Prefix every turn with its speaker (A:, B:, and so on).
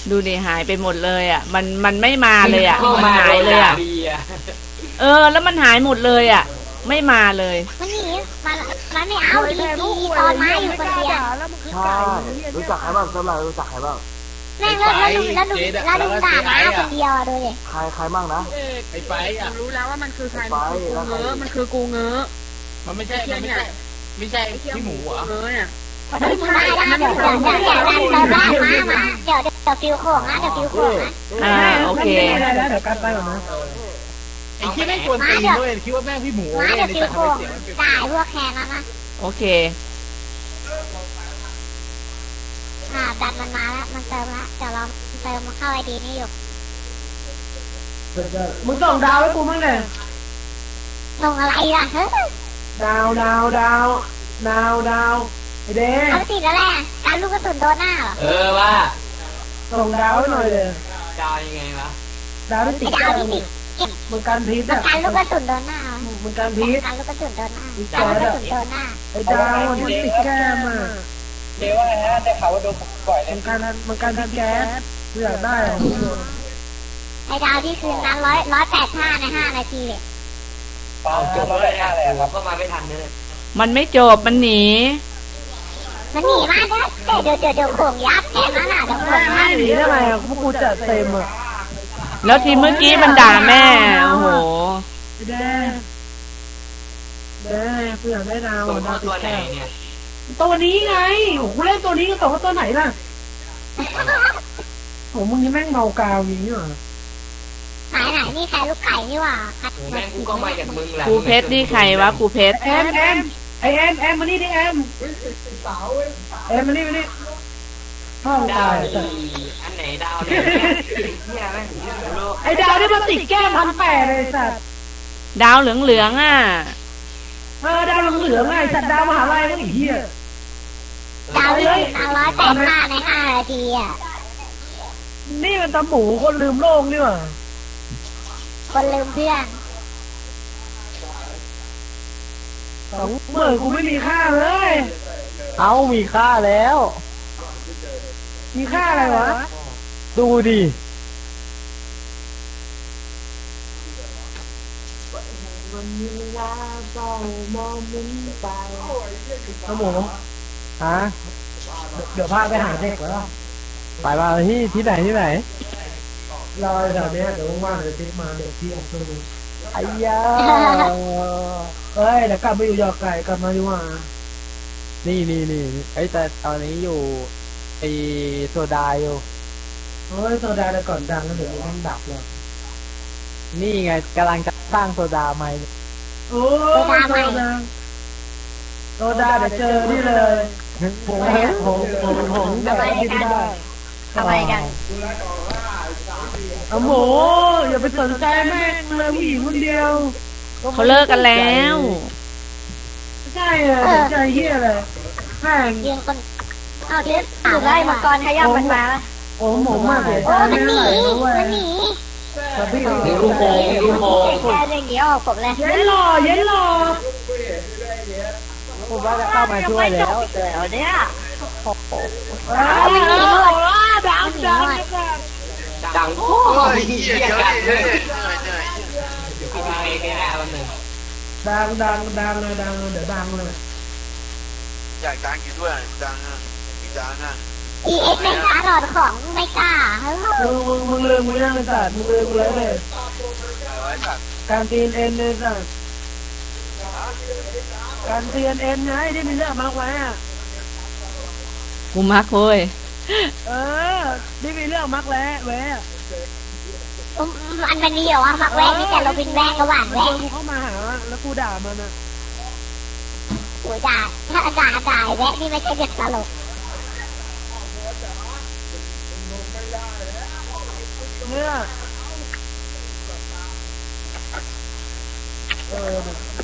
A: ดูดิหายไปหมดเลยอ่ะมันไม่มาเลยอ่ะมันหายเลยอ่ะแล้วมันหายหมดเลยอ่ะไม่มาเลย
B: มันหนีมันไม่เอาดีตอนมาอยู่คนเดียว
C: ใช่รู้จักใครบ้างสำหรับรู้จักใครบ้าง
B: แม่งแล้วลุงด่ามาคนเดียวดูดิ
C: ใครบ้างนะ
D: ไอ้ไปอ่ะ
E: รู้แล้วว่ามันคือใครมันคือกูเงอะ
D: มันไม่ใช่พี่หมูเหรอ
E: เนี่ย
B: ได้เดี๋ยวฟิวโค้งนะเดี๋ยวฟิวโค้งนะ
A: โอเค
E: แล้วเดี๋ยวกันไปก่อนนะ
D: ไอ้ที่ไม่ควรตีด้วยคิดว่าแม่พี่หมู
B: เดี๋ยวฟิวโค้งด่าพวกแคนนะ
A: โอเค
B: ดันมันมาแล้วมันเติมแล้วเดี๋ยวเราเติมมาเข้าไอดีนี่อยู่
E: มึงส่งดาวให้กูมั้งเนี่ย
B: ส่งอะไรล่ะเฮ้ย
E: ดาวไอเด้
B: เอาติดแล้วแหละการลูกกระสุนโดนหน้าเหรอ
D: ว่า
E: ส่งดาวให้หน่อยเลย
D: ดาวยังไงวะ
E: ดาวที่ติดมึงการพีท
B: การลูกกระสุนโดนหน้า
E: มึงการพีท
B: การลูกกระสุนโดนหน้าการลูกกระสุนโดนหน้า
E: ไอดาวที่ติดแก้มอ่ะ
D: เจ๊ว่าไงฮะได้ข่าวว่าโดนปล่อยเลย
E: มันการที่แก๊สอยากได้
B: ไอดาวที่คืนนั้น185ใน5 นาทีเลย
D: เปล่าจบแล้วเลยอะไรครับก็มาไม่ทันเลย
A: มันไม่จบมันหนี
B: มาแล้วเดี๋ยวโขงยับแค่นั้นน่ะเดี๋ยวโขง
E: ไม่หนีได้ไงพวกกูจัดเต็มอ่ะ
A: แล้วทีเมื่อกี้มันด่าแม่โอ้โห
E: แด้เพื่อนได้ดาว
D: ตัวไหนเนี่ย
E: ตัวนี้ไงโอ้โหเล่นตัวนี้ก็ตัวไหนล่ะโอ้มึงนี่แม่งเมากาวอย่างนี้เหรอ
B: ไหนนี่ใครลูกไก่นี่หว่า
D: แม่งกูก็มาจากมึงแหละ
A: ครูเพชรนี่ใครวะครูเพชร
E: แอมมานี่ดิแอมมานี่ห้อง
D: ดาวอันไหนดาวเนี่ย
E: ไอ้ดาวที่มันติดแก้ม1,800เลยสัตว์
A: ดาวเหลืองอ่ะ
E: ดาวเหลืองไงสัตว์ดาวมหาลัยนั่นไอ้เหี้ย
B: ดาวเลย185ใน5 นาทีอ่ะ
E: นี่มันตาหมูคนลืมโลกนี่หว่า
B: คนลืมเพื่อน
E: 20,000กูไม่มีค่าเลย
C: เอามีค่าแล้ว
E: มีค่าอะไรวะ
C: ดูดิ
E: ครับผม
C: ฮะ
E: เดี๋ยวพาไปหาเด็กแล้ว
C: ไปมาที่ไหน
E: รอแถวนี้เดี๋ยวว่างๆเดี๋ยวติ๊กมาเด็กที่อังกฤษ
C: ไอ้ยา
E: เฮ้ยเดี๋ยวกลับมาอยู่ยอไก่กลับมาดีกว่า
C: นี่ไอ้แต่ตอนนี้อยู่ไอโซดาอยู่
E: โอ้ยโซดาแต่ก่อนดังแล้วเดี๋ยวมันดับเลย
C: นี่ไงกำลังจะสร้างโซดาใหม่
E: โอ้โซดาเดี๋ยวเจอนี่เลยผม
B: ทำไมกัน
E: โอ้โหอย่าไปสนใจแม่งเลยผู้หญิงคนเดียว
A: เขาเลิกกันแล้ว
E: ใช่ใจเหี้ยเลยแม่ง
B: ยิงคนเอาเดี๋ยวไล่มังกรขยับมันมา
E: โอ้หมูมากเลย
B: มันหนี
D: ลูกโป่ง
B: แค่อย่างเดียวผมเลย
E: เย็นหล่อ
C: ผมว่าจะเข้ามาช่วยแล้วแต่
B: เนี่ย
E: มันหนีหมด
D: ดังโอ้ยเหี้ยกันเลย
E: ดังเลยเดี๋ยวดังเลย
D: อยากดังกี่ด้วยดังอ่ะดังอ่ะ
B: EX ไม่กล้าหลอดของไม่กล้า
E: มึงลืมกูยังเลยสัตว์มึงลืมกูแล้วเลยการตีนเอ็นเลยสัตว์การตีนเอ็นไงที่มีเรื่องมากไว้อ่ะ
A: กูมักเว้ย
E: นี่มีเรื่องมักแล้วแวะ
B: มันมีเหรอวะมักแวะนี่แต่เราเป็นแวะกระหว่างแวะ
E: กูเข้ามาหาแล้วกูด่ามันอ่ะ
B: กูด่าถ้าด่าแวะนี่ไม่ใช่เด็กตลก
E: เนี่ย